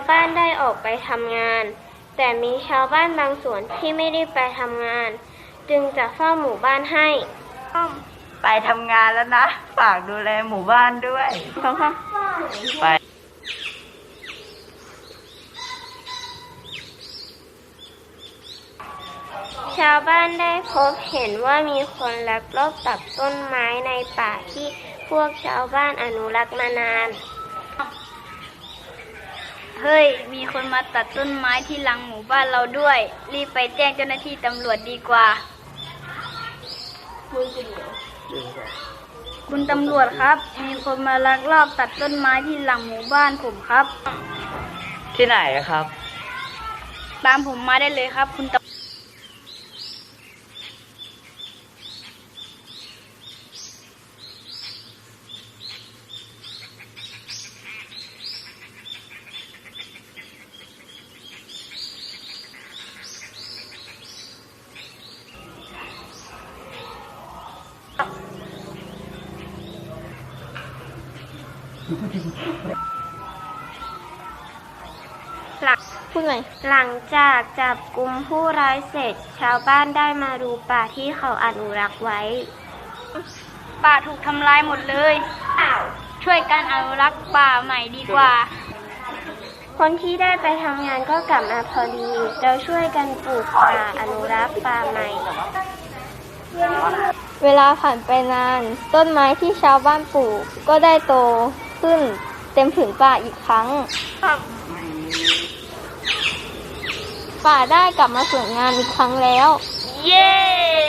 บ้านได้ออกไปทำงาน แต่มีชาวบ้านบางส่วนที่ไม่ได้ไปทำงาน จึงจะเฝ้าหมู่บ้านให้ไปทำงานแล้วนะฝากดูแลหมู่บ้านด้วยค่ะไปชาวบ้านได้พบเห็นว่ามีคนลักลอบตัดต้นไม้ในป่าที่พวกชาวบ้านอนุรักษ์มานานเฮ้ยมีคนมาตัดต้นไม้ที่หลังหมู่บ้านเราด้วยรีบไปแจ้งเจ้าหน้าที่ตำรวจดีกว่าคุณตำรวจครับมีคนมาลักลอบตัดต้นไม้ที่หลังหมู่บ้านผมครับที่ไหนครับตามผมมาได้เลยครับคุณตำหลังจากจับกุมผู้ร้ายเสร็จชาวบ้านได้มาดูป่าที่เขาอนุรักษ์ไว้ป่าถูกทำลายหมดเลยช่วยกันอนุรักษ์ป่าใหม่ดีกว่าคนที่ได้ไปทำงานก็กลับมาพอดีเราช่วยกันปลูกป่าอนุรักษ์ป่าใหม่เวลาผ่านไปนานต้นไม้ที่ชาวบ้านปลูกก็ได้โตขึ้นเต็มผืนป่าอีกครั้งป่าได้กลับมาสวยงามอีกครั้งแล้วเย้